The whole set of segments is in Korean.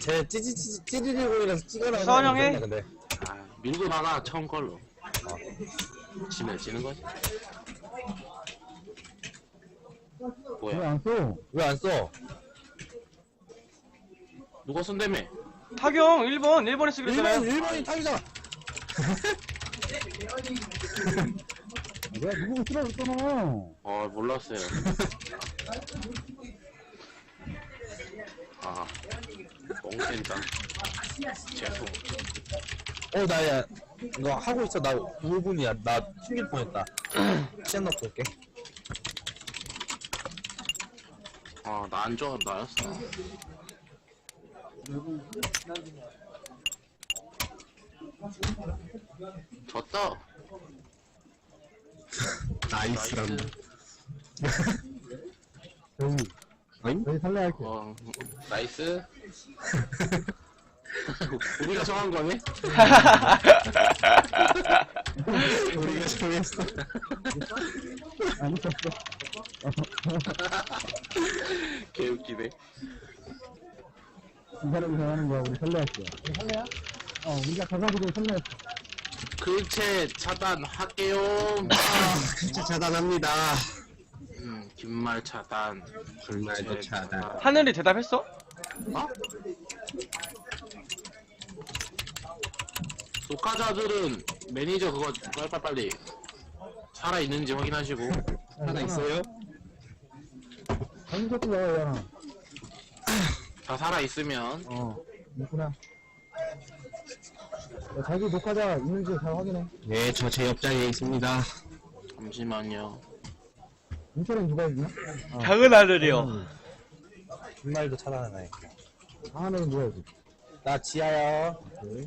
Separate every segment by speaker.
Speaker 1: 쟤 찌리리공이라서 찍어놔.
Speaker 2: 서원형해.
Speaker 1: 근데
Speaker 3: 아, 밀고 나가 처음 걸로. 지면 지는 거지. 뭐야?
Speaker 4: 왜안 써?
Speaker 1: 왜 안 써?
Speaker 3: 누가 쓴다며?
Speaker 2: 타경 1번에 쓰기로 했잖아요.
Speaker 1: 1번이 타기잖아.
Speaker 4: 내가 누구를 쓰라고 했잖아.
Speaker 3: 몰랐어요. 아, 멍센다. 죄송.
Speaker 1: 나야 이거 하고 있어. 나 5분이야. 나 튕길 뻔했다. 시간 넣고 올게.
Speaker 3: 나 안 좋아, 나였어. 졌다.
Speaker 1: 나이스람.
Speaker 4: 저희 살려할게.
Speaker 3: 나이스. 우리가 정한 거네?
Speaker 1: 우리가 정했어.
Speaker 4: 안 썼어.
Speaker 3: 개웃기네.
Speaker 4: 이 사람이 정하는 거야. 우리 살려할게. 우리 살려야? 우리가 가가지고 살려했어.
Speaker 3: 글체 차단할게요.
Speaker 1: 진짜 차단합니다.
Speaker 3: 긴말 차단.
Speaker 1: 불말도 차단.
Speaker 2: 하늘이 대답했어?
Speaker 3: 어? 녹화자들은 매니저 그거 빨리 살아있는지 확인하시고.
Speaker 1: 하나 있어요?
Speaker 4: 아니, 저도 나와요.
Speaker 3: 다 살아있으면
Speaker 4: 있구나. 자기 녹화자 있는지 잘 확인해.
Speaker 1: 네, 저 제 옆자리에 있습니다.
Speaker 3: 잠시만요.
Speaker 4: 인터넷 누가 있냐?
Speaker 2: 작은 하늘이요.
Speaker 1: 불말도 차단하네.
Speaker 4: 하나는 누가 있지?
Speaker 1: 나 지하야.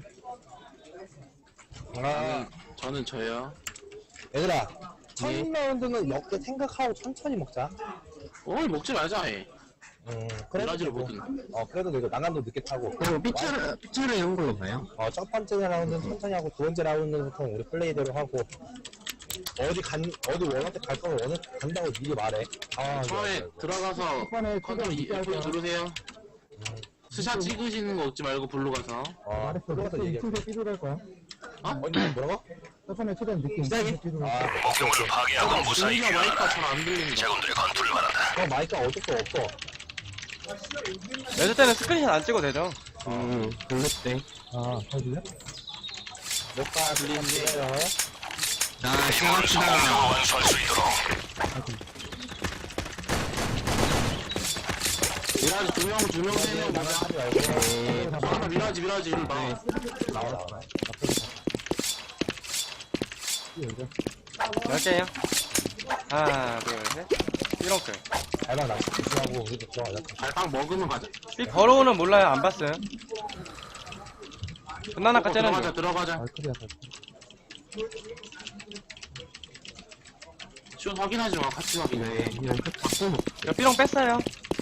Speaker 3: 저는 저요.
Speaker 1: 얘들아, 첫 라운드는 먹게 생각하고 천천히 먹자.
Speaker 3: 먹지 말자 해.
Speaker 1: 그래도
Speaker 3: 라지를
Speaker 1: 되고.
Speaker 3: 보든.
Speaker 1: 그래도 되고 난간도 늦게 타고.
Speaker 5: 삐처를 이런 걸로 봐요?
Speaker 1: 첫 번째 라운드는 천천히 하고 두 번째 라운드는 보통 우리 플레이대로 하고 어디 원할 때 갈 거면 원할 때 간다고 미리 말해.
Speaker 3: 처음에 들어가서
Speaker 4: 첫번에
Speaker 3: 컨트롤 F 누르세요. 스샷 찍으시는 거 없지 말고 블루 가서.
Speaker 4: 말했어.
Speaker 1: 들어가서 얘기해.
Speaker 4: 순서 삐져갈 거야.
Speaker 1: 뭐라고?
Speaker 4: 첫번에 최대한 늦게
Speaker 1: 시작이?
Speaker 5: 목표물을 파괴하고 무사히
Speaker 3: 우리가
Speaker 5: 귀환한다.
Speaker 3: 마이크가 잘 안 들린다.
Speaker 5: 제군들의 건투를 바란다.
Speaker 1: 마이크가 어쩔 수 없어.
Speaker 2: 연습 때는 스크린샷 안 찍어도 되죠?
Speaker 5: 블루 때.
Speaker 4: 잘 들려?
Speaker 1: 녹화 들리는데요.
Speaker 5: 자, 시작합시다. 완수할 수 있도록.
Speaker 3: 미라지 두 명, 3명 맞아.
Speaker 1: 하지 말고.
Speaker 3: 하나 미라지 일로 나.
Speaker 1: 나와.
Speaker 2: 10개요. 하나, 둘, 셋. 삐렁클.
Speaker 1: 알바 나 집중하고 우리도 들어가자.
Speaker 3: 발빵 먹으면 가자.
Speaker 2: 삐 걸어오는 몰라요. 안 봤어요. 끝나나까 째는 중.
Speaker 3: 들어가자.
Speaker 4: 알크리아
Speaker 3: 슛 확인하지 마. 같이 확인해.
Speaker 2: 저 삐렁 뺐어요.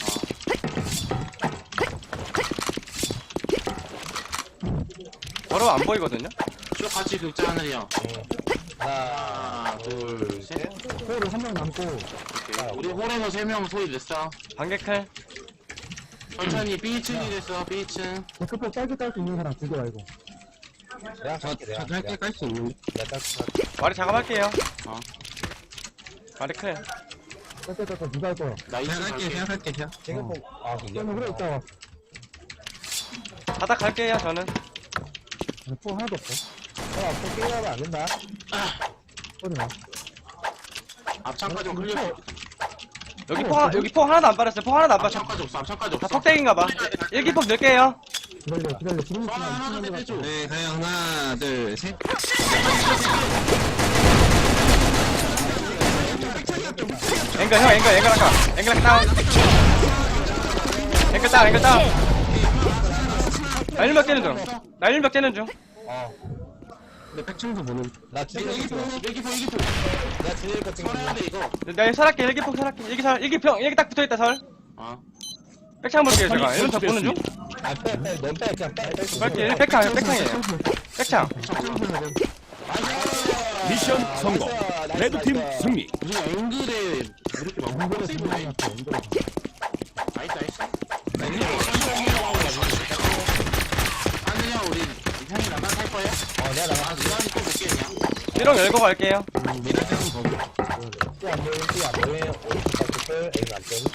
Speaker 2: 걸어 안 보이거든요?
Speaker 3: 슛 같이 극자 하늘이요.
Speaker 1: 하나,
Speaker 3: 둘, 셋.
Speaker 4: 호를 한 명 남고.
Speaker 3: 오케이. 우리 홀에서 3명 소리 냈어.
Speaker 2: 반개클.
Speaker 3: 천천히 B층이 됐어. B층.
Speaker 4: 데크폭 짧게 딸 수 있는 사람 두개 말고.
Speaker 1: 내가 갈게. 내가
Speaker 5: 짧게 깔 수 있는.
Speaker 1: 내가 갈게.
Speaker 2: 와리 작업할게요.
Speaker 3: 어.
Speaker 2: 와리 클.
Speaker 4: 짧게 딸 거 누가 할 거야?
Speaker 3: 나 2층 갈게.
Speaker 5: 생각할게.
Speaker 1: 지금 이게
Speaker 4: 그러면 그래 있다.
Speaker 2: 바닥 갈게요, 저는.
Speaker 4: 폭 하나도 없어.
Speaker 1: 앞으로 게임하면 안 된다.
Speaker 4: 소리 나.
Speaker 3: 앞창까지 클리어.
Speaker 2: 여기 폭 하나도 안 빠졌어요. 폭 하나도 안 빠졌어.
Speaker 3: 앞창까지 없어. 앞창까지
Speaker 2: 다
Speaker 3: 없어.
Speaker 2: 폭대기인가봐. 일기폭 넣을게요.
Speaker 4: 기다려. 지금
Speaker 3: 하나 더 빼줘.
Speaker 5: 네, 가요. 하나, 둘, 셋.
Speaker 2: 앵글 아까. 앵글 다운. 앵글 다운. 나 1명 째는 중.
Speaker 5: 근데 백청도 보는.
Speaker 1: 나 주제
Speaker 3: 일기포.
Speaker 1: 내가 주제 거 지금
Speaker 3: 설해야 돼 이거.
Speaker 2: 나 살할게. 일기폭 살할게. 일기 딱 붙어있다, 설.
Speaker 3: 어.
Speaker 2: 백창 볼게요, 제가. 1번 더 보는 중.
Speaker 1: 넌 빼, 그냥 빼.
Speaker 2: 빨리 백창이에요. 백창.
Speaker 6: 미션 성공. 레드팀 승리.
Speaker 3: 무슨 앵글에 이렇게 막
Speaker 4: 앵글에
Speaker 3: 세이브
Speaker 4: 중간에
Speaker 3: 나이.
Speaker 4: 났어. 앵글에.
Speaker 3: 나이스.
Speaker 2: 삐롱 열고 갈게요.
Speaker 5: 미라장은 거기.
Speaker 1: 삐안 보임, 삐안 보임. 오른쪽 클, A는 안 뜸.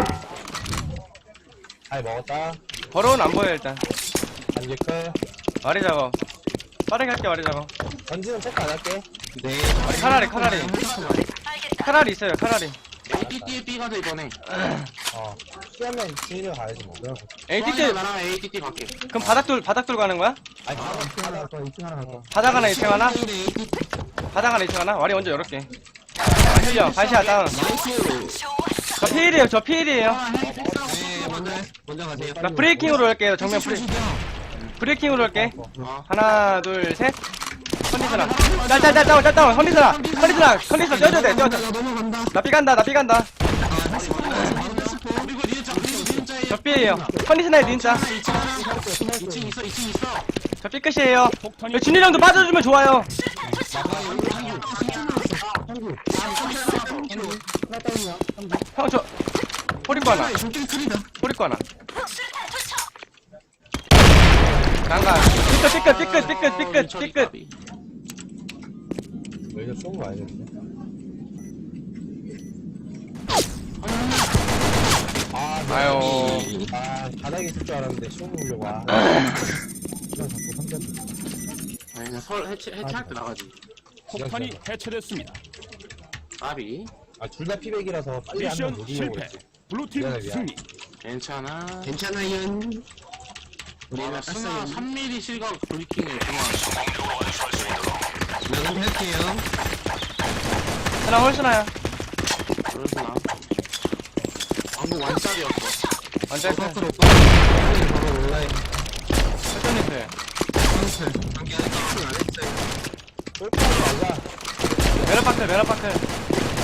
Speaker 1: 잘 먹었다.
Speaker 2: 버로는 안 보여 일단.
Speaker 1: 반지 클.
Speaker 2: 와리 작업. 빠르게 할게 와리 작업.
Speaker 1: 전지는 체크 안 할게.
Speaker 5: 네.
Speaker 2: 카라리. 카라리 있어요 카라리.
Speaker 3: ATT에 B 가자 이번에.
Speaker 1: 피하면 준이랑 가야지 뭐.
Speaker 2: ATT
Speaker 3: 나랑 ATT 갈게.
Speaker 2: 그럼 바닥돌 가는 거야?
Speaker 1: 아니,
Speaker 4: 하나 갈 거야, 2층 하나 갈 거야.
Speaker 2: 바닥 하나 2층 하나? 바닥 하나 2층 하나? 와리 먼저 열을게. 아, 흘려 발시야 다운.
Speaker 5: 나이스.
Speaker 2: 저 피일이에요 저 피일이에요.
Speaker 5: 네, 먼저 가세요.
Speaker 2: 나 브레이킹으로 할게요 정면 브레이킹으로 할게. 하나 둘 셋. 컨디셔너 짤 컨디셔너 떼어줘야 돼 떼어줘.
Speaker 5: 넘어간다.
Speaker 2: 나 삐간다.
Speaker 3: 그리고 니은자
Speaker 2: 저 삐에요. 컨디셔너에 닌자.
Speaker 3: 2층 있어.
Speaker 2: 저 삐 끝이에요. 준이 형도 빠져주면 좋아요.
Speaker 4: 하나 다운이야.
Speaker 2: 형 저 호리코 하나.
Speaker 5: 저기 크리다.
Speaker 2: 호리코 하나. 난가. 삐끗.
Speaker 1: 여기가 쏜거 아니겠네.
Speaker 2: 아유.
Speaker 1: 바닥에 있을 줄 알았는데 쏘고 오려고.
Speaker 4: 그냥 자꾸 3점.
Speaker 3: 아니 설 해체할 때 나가지.
Speaker 6: 폭탄이 해체됐습니다.
Speaker 3: 까비.
Speaker 1: 둘 다 피백이라서 빨리 한번
Speaker 6: 미션
Speaker 1: 못 이기려고
Speaker 6: 실패.
Speaker 1: 했지.
Speaker 6: 블루팀
Speaker 1: 미안해.
Speaker 6: 승리.
Speaker 3: 괜찮아.
Speaker 5: 괜찮아요.
Speaker 3: 우리가 스나 3mm 실각 브리킹을 그만.
Speaker 5: 나도 할게요.
Speaker 2: 하나 홀스나야.
Speaker 3: 그래서 나 방금 완짜리였어.
Speaker 2: 완전 큰.
Speaker 5: 바로 올라요.
Speaker 2: 설정님 돼.
Speaker 5: 관계 아직 집중 안 했어요.
Speaker 1: 쏠까지 말자.
Speaker 2: 메라파클.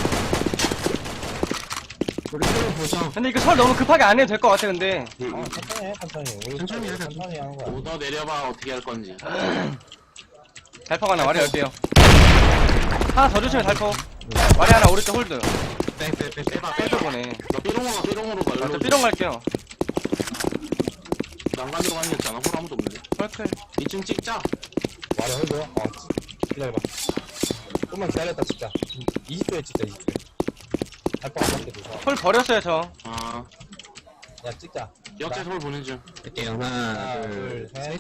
Speaker 5: 우리 서로 보자.
Speaker 2: 근데 이거 설 너무 급하게 안 해도 될 것 같아 근데.
Speaker 1: 천천히 해, 천천히. 우리
Speaker 5: 천천히 하자.
Speaker 1: 천천히 하는 거야.
Speaker 3: 오더 내려봐 어떻게 할 건지.
Speaker 2: 달폭 하나 와리 열게요. 하나 더 주시면 달폭. 와리 하나 오른쪽 홀드. 홀드 보네.
Speaker 3: 너 삐롱으로 가.
Speaker 2: 저
Speaker 3: 일로
Speaker 2: 삐롱 갈게요.
Speaker 3: 난간으로 가는 게 없잖아. 홀 아무도 없는데.
Speaker 2: 헐클.
Speaker 3: 2층 찍자.
Speaker 1: 말을 해줘. 기다려봐. 좀만 기다렸다 진짜. 20초에 찍자 20초에. 달빵 안 맞게 도서.
Speaker 2: 홀 버렸어요 저.
Speaker 3: 아
Speaker 1: 야 찍자.
Speaker 3: 역제 서울 보는 중.
Speaker 5: 할게요.
Speaker 1: 하나
Speaker 5: 하나,
Speaker 1: 둘 셋.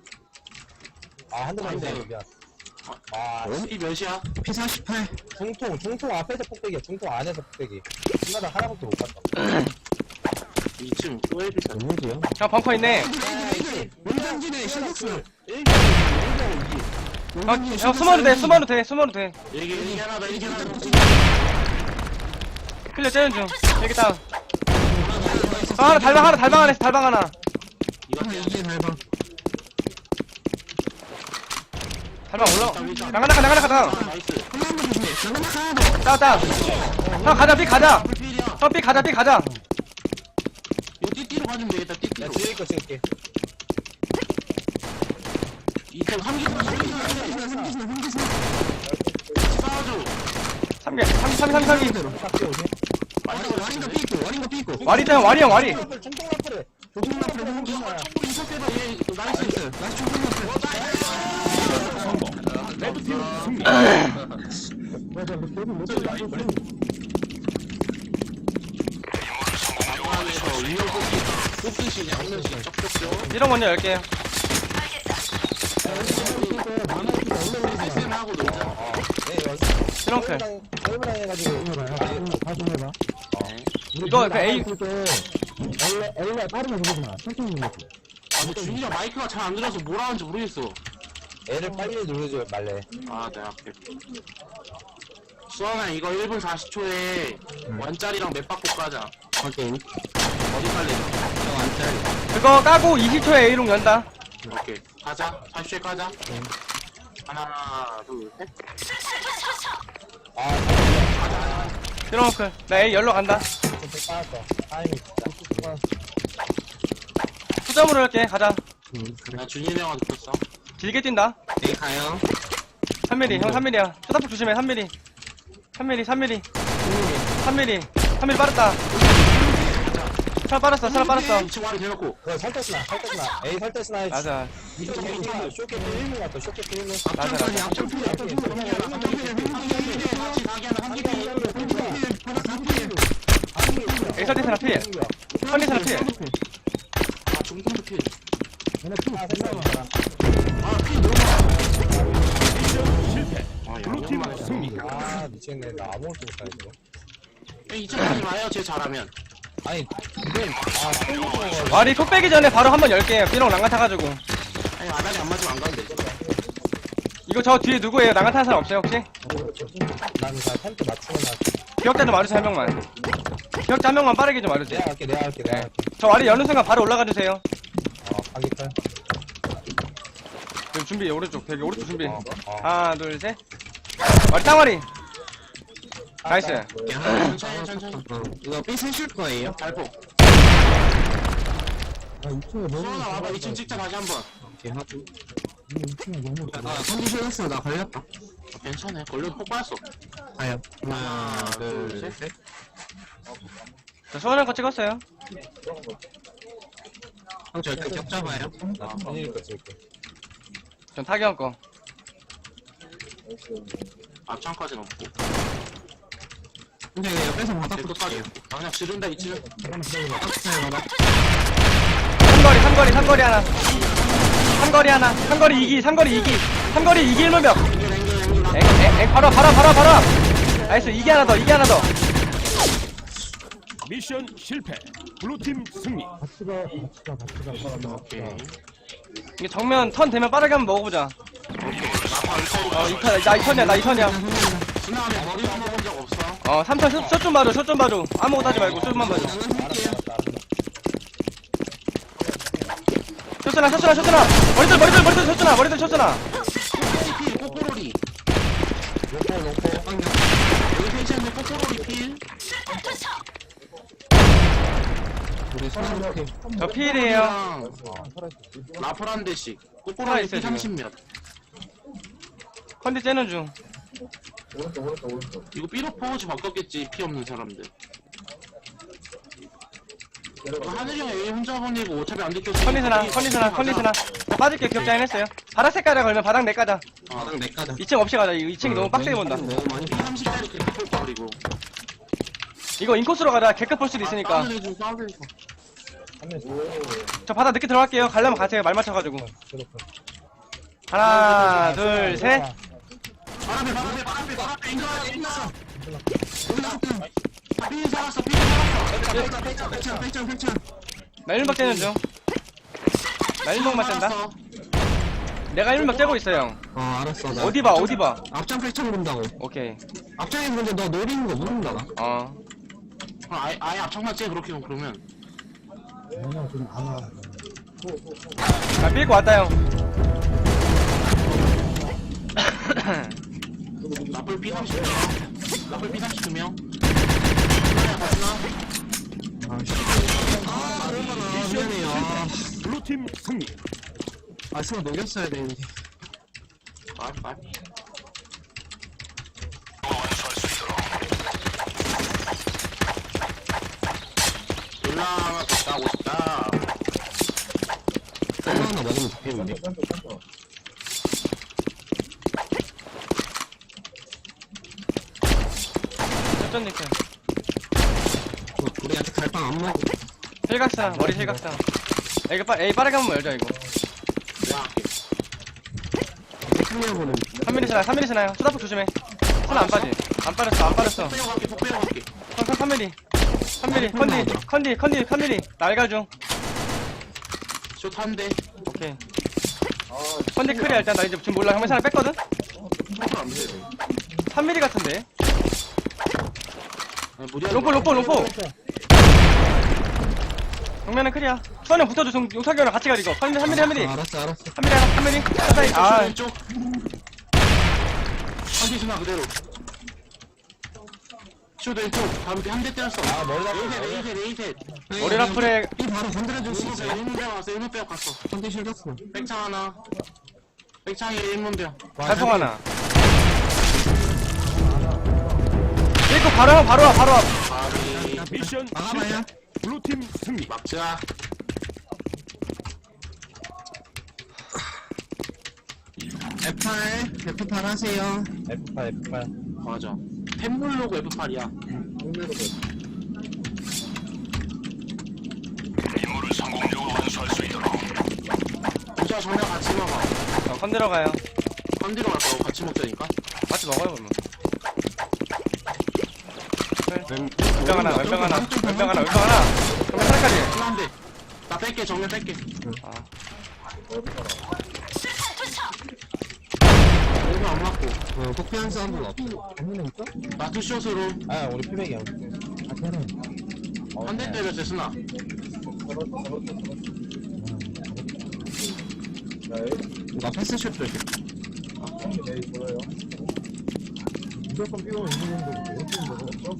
Speaker 1: 한 대만
Speaker 3: 안
Speaker 1: 있네.
Speaker 3: 돼.
Speaker 1: 미안.
Speaker 3: 이 몇이야?
Speaker 5: P48.
Speaker 1: 중통 앞에서 폭백이야. 중통 안에서 폭백이. 중간에 하나밖에 못 봤다.
Speaker 3: 2층 소에비다.
Speaker 1: 누구지요?
Speaker 2: 형 벙커 있네.
Speaker 5: 원장진의 실력수.
Speaker 2: 형 숨어도 돼.
Speaker 3: 얘기 하나다.
Speaker 2: 클리어 째는 중. 여기 다운. 하나 달방 하나.
Speaker 3: 이거
Speaker 5: 이게 달방.
Speaker 2: 달방 올라. 나가 다운.
Speaker 3: 나이스.
Speaker 5: 한번 조심해.
Speaker 2: 다운. 형 가자 삐 가자.
Speaker 3: 풀필이야.
Speaker 2: 형 삐 가자.
Speaker 3: 이거 띠띠로 가주면 되겠다.
Speaker 1: 야
Speaker 3: 띠띠로.
Speaker 1: 뒤에 거 찍을게.
Speaker 3: 2층 함기 싸워줘.
Speaker 2: 3개.
Speaker 1: 딱 뛰어오지.
Speaker 5: 와린가 삐고.
Speaker 2: 와리 형 와리.
Speaker 1: 중통 라플에.
Speaker 3: 총으로 인터셉해봐. 얘 나이스.
Speaker 6: 성공. 레드팀 승리.
Speaker 4: 맞아, 뭐, 저기 못 들어가고 있어.
Speaker 3: 안에서 위로 뽑기시 그냥 한 명씩 쩍쩍쩍.
Speaker 2: 이런 먼저 열게요.
Speaker 3: 패스는 하고 놀자.
Speaker 1: 네 연습.
Speaker 2: 트렁클.
Speaker 1: 얼마나 해가지고.
Speaker 4: 해봐요. 다시 해봐.
Speaker 2: 이거 그 A
Speaker 4: 원래 빠르면 그러지 마. 천천히 눌러줘.
Speaker 3: 근데 준이가 마이크가 잘 안 들어서 뭐라 하는지 모르겠어.
Speaker 1: 애를 빨리 누르지 말래.
Speaker 3: 아, 내가 할게. 수원아, 이거 1분 40초에 원짜리랑 몇 바꿔 까자.
Speaker 5: 확인.
Speaker 3: 어디 빨리?
Speaker 2: 그거 까고 20초에 A롱 연다.
Speaker 3: 오케이. 가자. 40초에 까자. 하나, 둘, 셋.
Speaker 2: 트렁클. 나 A 열로 간다.
Speaker 1: 좀 빠졌어. 타이밍 진짜.
Speaker 2: 수점으로 할게. 가자.
Speaker 3: 나 준이 형한테 줬어.
Speaker 2: 길게 뛴다.
Speaker 5: 네, 가요.
Speaker 2: 3mm. 형 3mm야. 초다폭 조심해. 3mm. 3mm 빠르다. 살 빨았어.
Speaker 3: 2층 와리 대놓고.
Speaker 1: 그거 설대스나 A 설대스나
Speaker 2: 맞아.
Speaker 1: 쇼케트 1문 같아 쇼케트 1문
Speaker 2: 맞아. 엑설티스나 필. 컨디스나 필.
Speaker 3: 아 중통도 필.
Speaker 4: 얘네 피
Speaker 3: 아 필 너무
Speaker 6: 미션 실패.
Speaker 3: 아
Speaker 6: 블루팀
Speaker 3: 양념만 해서.
Speaker 6: 승리.
Speaker 1: 아 미치겠네 나 아무것도 못하네 이거
Speaker 3: 2층 가지 마요 쟤 잘하면.
Speaker 1: 아니 이건 아 쏠리고
Speaker 2: 와리 톡 빼기 전에 바로 한번 열게요. 삐롱 난간 타가지고.
Speaker 3: 아니 아다리 안 맞으면 안 가는데.
Speaker 2: 이거 저 뒤에 누구예요? 난간 타는 사람 없어요 혹시?
Speaker 1: 나는 다 템트 맞추고 나
Speaker 2: 기억자 좀 와주세요 한 명만. 기억자 한 명만 빠르게 좀 와주세요.
Speaker 1: 내가 할게
Speaker 2: 네. 저 와리 여는 순간 바로 올라가 주세요.
Speaker 1: 가기칼
Speaker 2: 여기 준비 오른쪽 되게 오른쪽 준비.
Speaker 1: 어.
Speaker 2: 하나 둘 셋. 와리 땅와리. 나이스.
Speaker 3: 천천히.
Speaker 5: 이거 삐 쓰실 거예요?
Speaker 3: 발포.
Speaker 4: 아 2층에 너무
Speaker 3: 수원아 와봐 2층 찍자 다시 한번.
Speaker 5: 오케이 하고
Speaker 4: 2층에 너무
Speaker 5: 아 컨디션 했어 나 걸렸다
Speaker 3: 괜찮아 걸려도 폭 빠졌어.
Speaker 5: 아야 하나 둘셋
Speaker 2: 저 수원한 거 찍었어요.
Speaker 5: 형 절대 격 잡아요
Speaker 1: 나 편의일 거 찍을게
Speaker 2: 전 타기형 거.
Speaker 3: 앞창까지는 없고.
Speaker 5: 근데 옆에서 바닥
Speaker 3: 내
Speaker 5: 붙을게요
Speaker 3: 끝까지. 아 그냥 지른다 2층.
Speaker 5: 박스에 바닥
Speaker 2: 삼거리 하나. 삼거리 2기. 삼거리 2기 1문벽. 엥 바로. 나이스 2기 하나 더.
Speaker 6: 미션 실패. 블루팀 승리.
Speaker 4: 같이 가
Speaker 3: 오케이.
Speaker 2: 이게 정면 턴 되면 빠르게 한번 먹어보자. 나 2턴이야.
Speaker 3: 지나가면 머리 한번 본 적 없어.
Speaker 2: 3턴 숏좀 봐줘. 아무것도 하지 말고 숏만 봐줘. 숏잖아. 머리들 숏잖아.
Speaker 3: 필 꼬꼬로리. 여기 펜션에 꼬꼬로리 필.
Speaker 5: 우리 손
Speaker 2: 저 필이에요.
Speaker 3: 라플 한 대씩. 꼬꼬로리
Speaker 2: 살아있어요,
Speaker 3: 필 30몇.
Speaker 2: 컨디 째는 중.
Speaker 3: 이거 삐로 포즈 바꿨겠지 피 없는 사람들. 하늘이 형 A 혼자 보내고 어차피 안 들켰어.
Speaker 2: 컨디스나. 저 빠질게 기억자 해냈어요. 바닥 색깔에 걸면 바닥 내 까자.
Speaker 5: 바닥 내 까자
Speaker 2: 2층 없이 가자. 이거 2층이 너무 빡세게 본다.
Speaker 5: 너무 많이
Speaker 3: 30짜리 그렇게 볼 거리고.
Speaker 2: 이거 인코스로 가자. 개급 볼 수도 있으니까.
Speaker 3: 싸우는 중.
Speaker 2: 저 바닥 늦게 들어갈게요. 가려면 가세요. 말 맞춰가지고. 하나, 둘, 셋.
Speaker 3: 바람에 인가야. 삐 살았어.
Speaker 5: 팽창
Speaker 2: 나 1박 째는 중. 나 1박만 짠다. 내가 1박 째고 있어 형.
Speaker 5: 알았어 나
Speaker 2: 어디 봐.
Speaker 5: 앞장 팽창 본다고
Speaker 2: 오케이.
Speaker 5: 앞장에 근데 너 노리는 거 모른다 나
Speaker 3: 아예 앞창만 째 그렇게 그러면.
Speaker 4: 얘네 좀안 와.
Speaker 2: 나 삐고 왔다 형.
Speaker 3: 라플 P 30명. 라플 P 32명.
Speaker 5: 미안해요
Speaker 6: 블루팀 승리.
Speaker 5: 스나 녹였어야 되는데
Speaker 3: 말. 올라가 나고 싶다.
Speaker 5: 하나 먹으면 좋겠는데
Speaker 2: 쩐 니크.
Speaker 5: 우리 아직 갈빵 안 먹어
Speaker 2: 실각상 머리 실각상. 이거 A 빠르게 한번 열자 이거.
Speaker 3: 야,
Speaker 5: 승리하고는
Speaker 2: 3mm 스나요. 수다폭 조심해. 스나 안 빠졌어.
Speaker 3: 폭 빼고 갈게.
Speaker 2: 3mm. 컨디. 날갈 중.
Speaker 3: 숏 한 대.
Speaker 2: 오케이. 컨디 클리어 일단 나 이제 지금 몰라. 형맨 하나 뺐거든?
Speaker 3: 폭을 안 돼.
Speaker 2: 3mm 같은데.
Speaker 3: 무리하게.
Speaker 2: 로포. 정면은 클리어. 수원형 붙어줘. 용탁이랑 같이 가 이거. 3mm.
Speaker 5: 알았어
Speaker 2: 3mm. 사이. 아,
Speaker 3: 왼쪽. 컨디셔너 그대로. 숏 왼쪽. 바로 한 대 때렸어. 레이셋.
Speaker 2: 머리 라플에
Speaker 5: 이 바로 건드려줄 수 있어
Speaker 3: 1문 배워 갔어. 1문 배워 갔어.
Speaker 5: 컨디 실렸어
Speaker 3: 백창 하나. 백창에 1문 배워.
Speaker 2: 달풍 하나. 이거 바로 와.
Speaker 3: 바비.
Speaker 6: 미션
Speaker 5: 나가봐요
Speaker 6: 블루팀 승리.
Speaker 3: 막자.
Speaker 5: F8 F8 하세요.
Speaker 1: F8 F8
Speaker 3: 맞아. 템블로그 F8이야. 부자 정면 같이 먹어.
Speaker 2: 건드려 가요.
Speaker 3: 건드려 갈 거고 같이 먹자니까.
Speaker 2: 같이 먹어요 그러면. 왼병 하나, 왼병 하나, 왼병 하나, 왼병 하나. 그러면 하나까지.
Speaker 3: 필요한데. 나 뺄게, 정면 뺄게.
Speaker 2: 아,
Speaker 3: 얼굴 안 맞고.
Speaker 5: 폭피한 사운드는 없어.
Speaker 4: 정민이 있어?
Speaker 3: 나 투샷으로
Speaker 1: 아 우리 피백이야.
Speaker 4: 아, 걔는.
Speaker 3: 한 대 때렸어, 스나.
Speaker 5: 나 패스슛 조심.
Speaker 4: 무조건 삐고 있는 건데, 왜 삐는 거죠?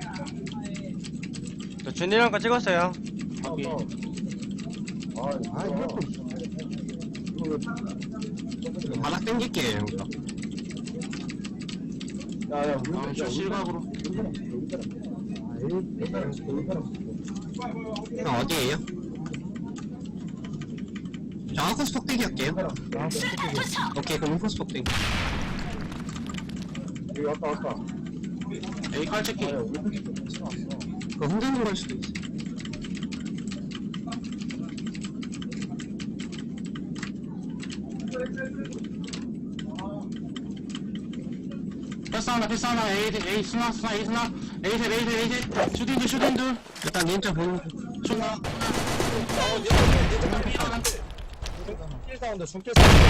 Speaker 2: 저 준이랑 거 찍었어요.
Speaker 3: 오케이.
Speaker 4: 아, 이것도.
Speaker 5: 바닥 당길게. 여기다.
Speaker 3: 다음 주 실각으로.
Speaker 5: 형 어디에요? 저 아웃코스 폭대기 할게요. 오케이 그럼 인코스 폭대기.
Speaker 3: 에이, 칼 체킹.
Speaker 5: 그거 흔들는 걸 수도 있어.
Speaker 3: 패스 하나, 에이, 스나, 에이, 셋, 슈팅들.
Speaker 5: 일단 닌자 보는
Speaker 3: 슈나.
Speaker 1: 킬 사운드 중길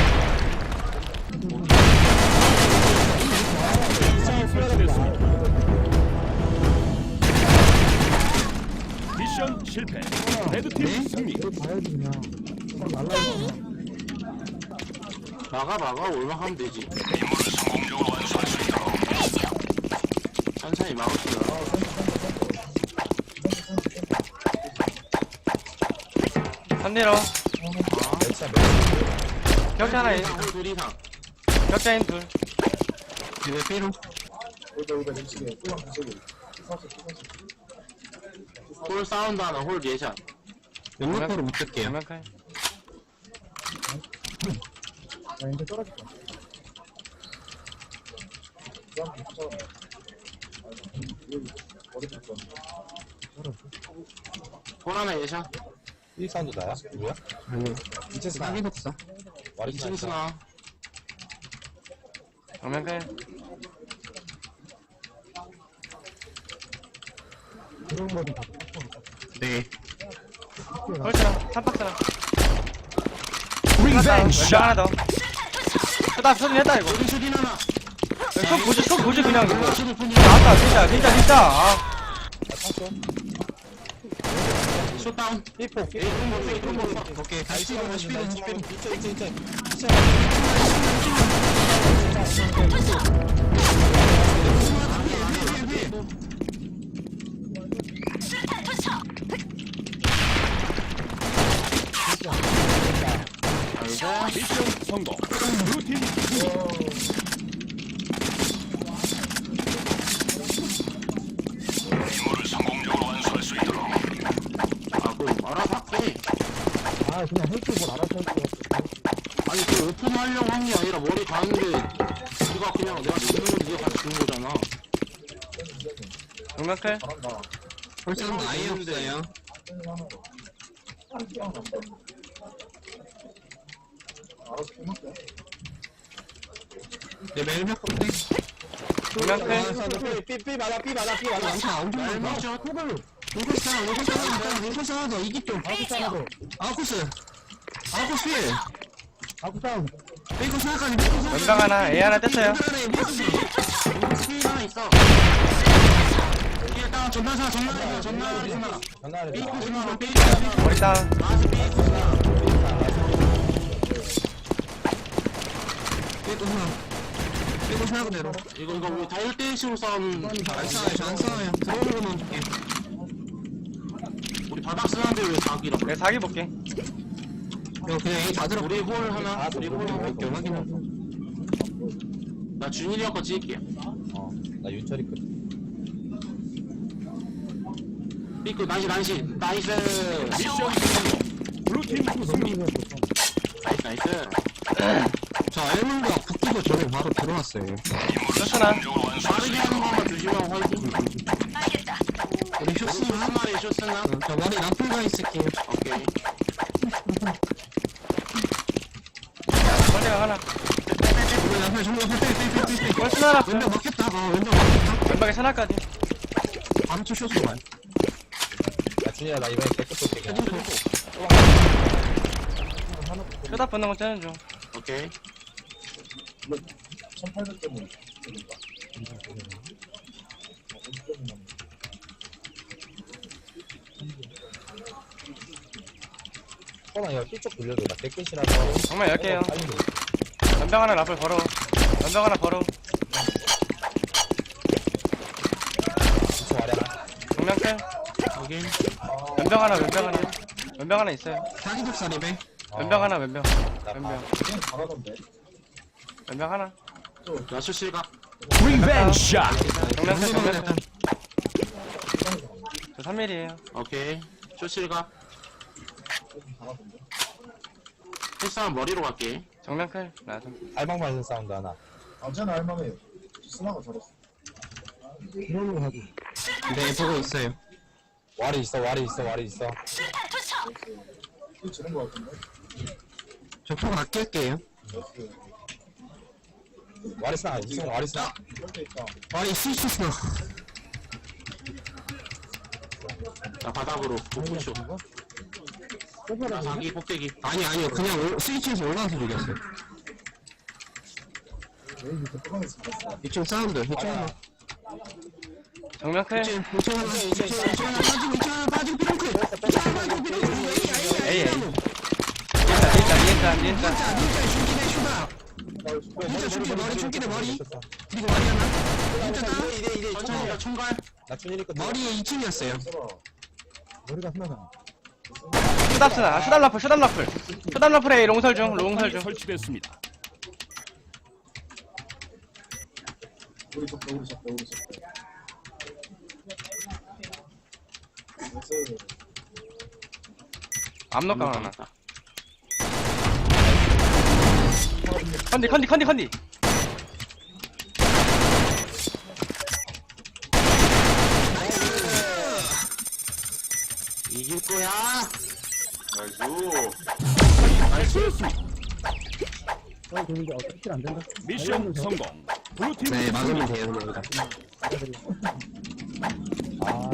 Speaker 6: 미션 실패. 레드팀 승리.
Speaker 4: 봐야지, 그냥. 날라가지.
Speaker 3: 막아, 올막하면 되지. 천천히 막읍시다.
Speaker 2: 선대로. 격자 하나,
Speaker 3: 둘 이상.
Speaker 2: 격자인 둘.
Speaker 5: 집에 삐로.
Speaker 3: 홀 사운드 하나, 홀 예샷.
Speaker 5: 연막으로 붙을게요.
Speaker 2: 양면칼.
Speaker 4: 나 이제 떨어질게.
Speaker 3: 홀 하나 예샷.
Speaker 1: 1 사운드 나야? 누구야?
Speaker 5: 아니
Speaker 1: 이체 스나
Speaker 5: 싸게 없어.
Speaker 1: 와리
Speaker 3: 2층 스나.
Speaker 2: 양면칼.
Speaker 4: 그런 거좀 다.
Speaker 5: 네.
Speaker 2: 홀스랑, 삼박스랑.
Speaker 6: 리벤지
Speaker 2: 왼병
Speaker 6: 샷.
Speaker 2: 하나 더. 나 소리 했다, 이거.
Speaker 3: 슈팅 하나.
Speaker 2: 손 보지, 그냥 이거.
Speaker 3: 슈팅 푼
Speaker 2: 나왔다, 진짜. 아.
Speaker 3: 숏다운.
Speaker 1: 삐포
Speaker 3: 에이, 좀 먹어.
Speaker 5: 오케이 다시 삐로 다시 삐로 다시 삐로.
Speaker 1: 이체
Speaker 6: 미션 성공. 블루팀 승리.
Speaker 3: 아, 그럼 알아서 할게.
Speaker 4: 아, 그냥 헬스 뭘 알아서 할게.
Speaker 3: 아니, 그 오픈하려고 한 게 아니라 머리 가는데, 네가 그냥 내가 죽는 건 네가 같이 죽는 거잖아.
Speaker 2: 양면칼.
Speaker 5: 홀사운드 아예 없어요. 네 멜벽 폭대.
Speaker 2: 양면칼.
Speaker 1: 삐 맞아
Speaker 5: 많다 엄청 많다.
Speaker 3: 멜먹샷.
Speaker 5: 인코스 하나 더 이기 좀. 아웃코스. 아웃코스 필.
Speaker 4: 아쿠상.
Speaker 5: 페이커스 하나까지 페이커스 하나.
Speaker 2: 왼병 하나, A 하나 뗐어요.
Speaker 3: 스킬 하나 있어. 스킬 다운, 전난사.
Speaker 1: 전화를
Speaker 3: 삐고 스나, 삐고
Speaker 2: 머리 다운.
Speaker 3: 나한테 삐고 스나.
Speaker 5: 페이커스 하나. 페이커스 하나 그대로.
Speaker 3: 이거 우리 다 1대1식으로 싸우는.
Speaker 5: 안 싸워요. 저안 싸워요. 들어오는 것만 줄게.
Speaker 3: 우리 바닥 쓰는데 왜 사기라.
Speaker 2: 내가 사기 볼게.
Speaker 5: 형 그냥 A 다 들어.
Speaker 3: 우리 홀 하나, 우리 홀 하나.
Speaker 5: 오케이 확인하고.
Speaker 3: 나 준일이 형 거 찍을게.
Speaker 1: 나 윤철이 끝
Speaker 3: 삐꾸 나이스 나이스 나이스
Speaker 6: 미션 성공. 블루팀 승리.
Speaker 3: 나이스
Speaker 5: 저 알몬드가 붙기도 전에 바로 들어왔어요.
Speaker 2: 쇼스나.
Speaker 3: 빠르게 하는 것만 조심하고 화이팅
Speaker 5: 우리 쇼스나?
Speaker 3: 한 마리 쇼스나
Speaker 5: 저 머리 나풀가 있을게요.
Speaker 3: 오케이
Speaker 2: 멀리가 하나.
Speaker 5: 우리 나풀 정면 빼.
Speaker 2: 쇼스나 하나.
Speaker 5: 왼쪽 막혔다. 왼쪽 막혔다.
Speaker 2: 왼쪽에 하나까지.
Speaker 5: 바로 쳐 쇼스 와요.
Speaker 1: 야, 준이야, 나 이번에 개급 쏠게. 그냥.
Speaker 2: 쇼다 붙는 거 째는 중.
Speaker 3: 오케이
Speaker 1: 소나 이거 삐쪽 돌려줘. 나 개끝이라서.
Speaker 2: 정말 10개요.
Speaker 1: 빨리 돼.
Speaker 2: 연병 하나 라플 걸어. 연병 하나 걸어.
Speaker 1: 삐쪽 아래 하나.
Speaker 2: 정면 클.
Speaker 3: 오케이
Speaker 2: 연병 하나, 왼병 하나. 왼병 하나 있어요.
Speaker 5: 사기독살이배.
Speaker 2: 왼병 하나, 왼병.
Speaker 1: 나
Speaker 2: 왼병. 왼병 하나.
Speaker 3: 나 실각
Speaker 6: 리벤지 샷.
Speaker 2: 정면 클, 정면 클. 저 3mm에요.
Speaker 3: 오케이 쇼실각 헬스하면 머리로 갈게
Speaker 2: 정면 클. 나도.
Speaker 1: 알방만 사운드 하나.
Speaker 4: 그걸로 하지.
Speaker 5: 네, 보고 있어요.
Speaker 1: 와리 있어, 와리 있어, 와리 있어.
Speaker 5: 저 포가 아낄게요.
Speaker 1: 와리 쓰나, 이승 와리 쓰나.
Speaker 5: 와리 스위치스나.
Speaker 3: 나 바닥으로 복부쇼 나 자기 꼭대기
Speaker 5: 아니요. 그냥 스위치에서 올라와서 죽였어요. 이쪽 사운드. 이쪽 하나.
Speaker 2: 정면 클.
Speaker 5: 이쪽 하나 빠지고 삐롱클.
Speaker 2: 에이, 에이. 니엔자.
Speaker 5: 진짜 춤기 머리 춤기네 머리. 그리고 머리 하나.
Speaker 3: 천천히 가 총갈
Speaker 1: 나 준이니까
Speaker 5: 머리에 2층이었어요.
Speaker 4: 머리가 하나잖아.
Speaker 2: 쇼답스나. 쇼답 라플. 쇼답 라플에 롱설 중.
Speaker 6: 설치됐습니다.
Speaker 2: 암록강 하나. 컨디.
Speaker 3: 이길 거야
Speaker 6: 나이스였습니다.
Speaker 4: 저 되는데 어떻게 안 된다.
Speaker 6: 미션 성공. 블루팀
Speaker 5: 네, 막으면
Speaker 6: 승리.
Speaker 5: 돼요, 그냥.
Speaker 4: 아,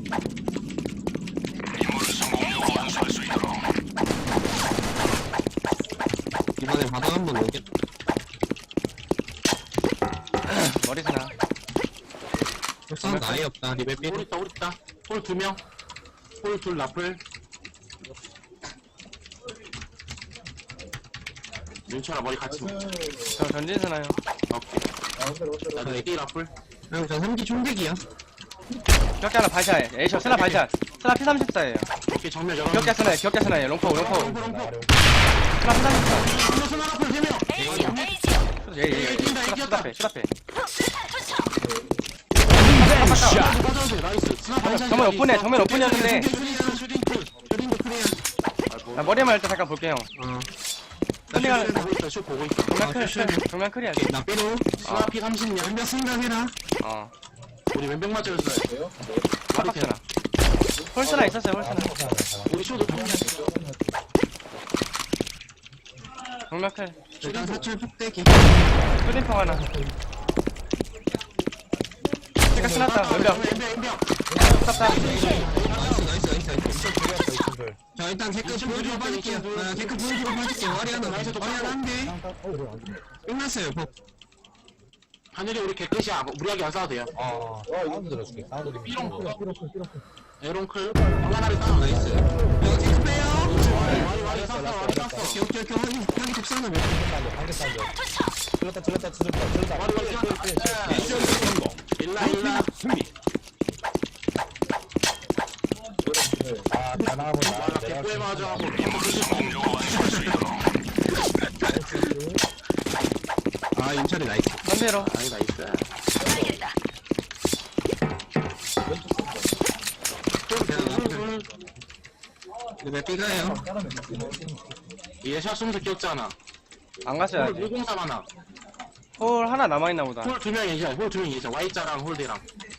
Speaker 5: 이번에 바닥 한번 오겠다.
Speaker 2: 머리 스나.
Speaker 5: 사운드 아예 없다. 리벨 삐.
Speaker 3: 홀 있다 홀 2명 홀 둘 라플 윤철아 머리 같이 먹
Speaker 2: 저 전진 스나요.
Speaker 3: 오케이 나도 4개 라플
Speaker 5: 형, 저 3기 총대기야.
Speaker 2: 기억자 하나 발샷. 에이쇼 스나 발샷. 스나 P34에요.
Speaker 3: 오케이 정면 열어
Speaker 2: 기억자 스나요. 롱포.
Speaker 3: 롱포
Speaker 2: 스나 P34.
Speaker 3: 손 라플 3명
Speaker 2: 예. 쇼답해.
Speaker 6: 리벤지 샷.
Speaker 3: 맞아도 돼 나이스 스나 반찬
Speaker 2: 정면 오픈이었는데.
Speaker 3: 슈딩도 클리어
Speaker 2: 나 머리만 일단 잠깐 볼게 형. 샌딩
Speaker 3: 보고 있어 쇼 보고 있어
Speaker 2: 정면 클이야.
Speaker 5: 나 삐로.
Speaker 3: 스나 피 30명
Speaker 5: 왼벽 생각해라.
Speaker 3: 우리 왼벽 맞았어요
Speaker 2: 깜빡 스나. 홀스나 있었어요. 홀스나.
Speaker 3: 우리 쇼도
Speaker 2: 정면 클.
Speaker 5: 일단 사출 폭대기.
Speaker 2: 푸딩펑 하나. 체크 스났다. 왼벽. stat다.
Speaker 5: 나이스. 자, 일단 댓글 보여주고 빠질게요. 댓글 보여주고 빠질게요. 머리 하나 한 대. 끝났어요, 복.
Speaker 3: 하늘이 우리 개끝이야 무리하게 안 싸워도 돼요
Speaker 1: 사운드 들어줄게. 사운드 좀.
Speaker 3: 삐롱
Speaker 4: 삐로클.
Speaker 3: 에론클 방아나를 싸워
Speaker 5: 나이스. 이거 댓글 빼요.
Speaker 3: 와리 쌌어
Speaker 5: 여기 독사는 몇
Speaker 1: 관계 사운드. 질렀다.
Speaker 6: 미션 성공.
Speaker 3: 일라
Speaker 6: 블루팀 승리.
Speaker 1: 아, 다 나가본다.
Speaker 3: 개꿀 맞아 하고
Speaker 5: 아, 윤철이 나이스.
Speaker 2: 반대로.
Speaker 3: 아니 나이스
Speaker 5: 그냥 몇 B가요?
Speaker 3: 얘샷 쏘면서 끼었잖아.
Speaker 2: 안 갔어요
Speaker 3: 홀
Speaker 2: 아직.
Speaker 3: 물공삼 하나.
Speaker 2: 홀 하나 남아있나 보다.
Speaker 3: 홀 2명 예샷. 홀 2명 예샷. Y자랑 홀대랑.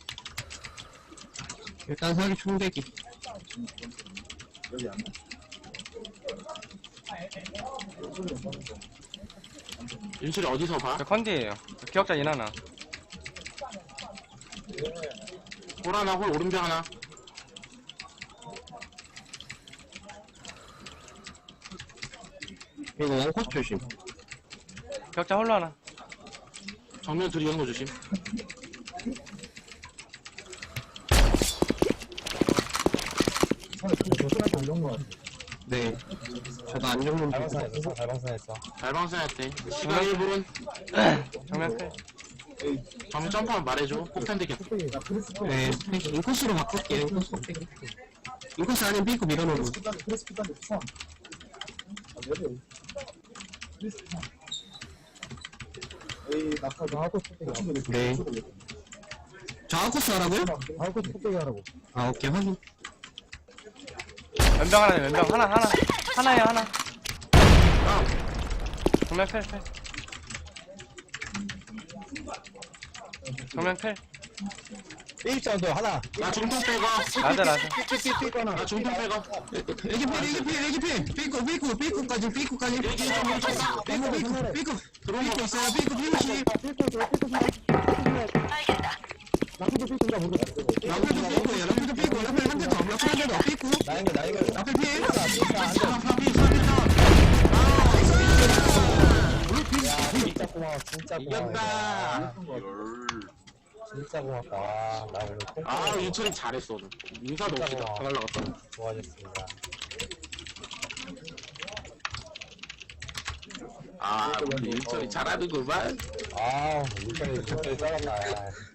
Speaker 5: 일단 사기 총대기.
Speaker 3: 윤철이 어디서 봐?
Speaker 2: 저 컨디에요. 저 기억자 인 하나.
Speaker 3: 홀 하나, 홀 오른쪽 하나.
Speaker 5: 이거 원코스 조심.
Speaker 2: 기억자 홀로 하나.
Speaker 3: 정면 둘이 연거 조심.
Speaker 5: 네. 저도 안 죽는 중.
Speaker 1: 달방산했어, 달방산했어.
Speaker 3: 달방사였대. 시간 1분.
Speaker 2: 정면 클.
Speaker 3: 정면 점프하면 말해줘. 폭탄 대기.
Speaker 5: 네. 인코스로 바꿀게요. 인코스. 인코스 아니면 B고 밀어놓고. 네. 저 아웃코스 하라고요?
Speaker 4: 아웃코스 폭대기 하라고.
Speaker 5: 아, 오케이. 확인.
Speaker 2: 왼병 하나, 왼병 하나. 하나야, 하나. 정면 클. 정면 클.
Speaker 1: B입장도 하나.
Speaker 3: 나 중통 빼고.
Speaker 2: 라자.
Speaker 3: 나 중통 빼고.
Speaker 5: 애기필. 삐꾸까지. 삐꾸 있어요. 삐꾸 50.
Speaker 4: 나도 삐꾼가 모르겠어.
Speaker 5: 라플도 삐꾸예요. 라플 한 대 더. 삐꾸.
Speaker 1: 나인가.
Speaker 5: 라플 필.
Speaker 1: 진짜 고마워, 진짜 고마워.
Speaker 3: 이겼다.
Speaker 1: 진짜 고맙다. 와, 나 오늘 콩
Speaker 3: 아, 윤철이 잘했어. 오늘. 인사도 없이 다 날라갔어.
Speaker 1: 좋아졌습니다.
Speaker 3: 아, 우리 윤철이 잘하는구만.
Speaker 1: 아, 일단은 진짜 잘한다.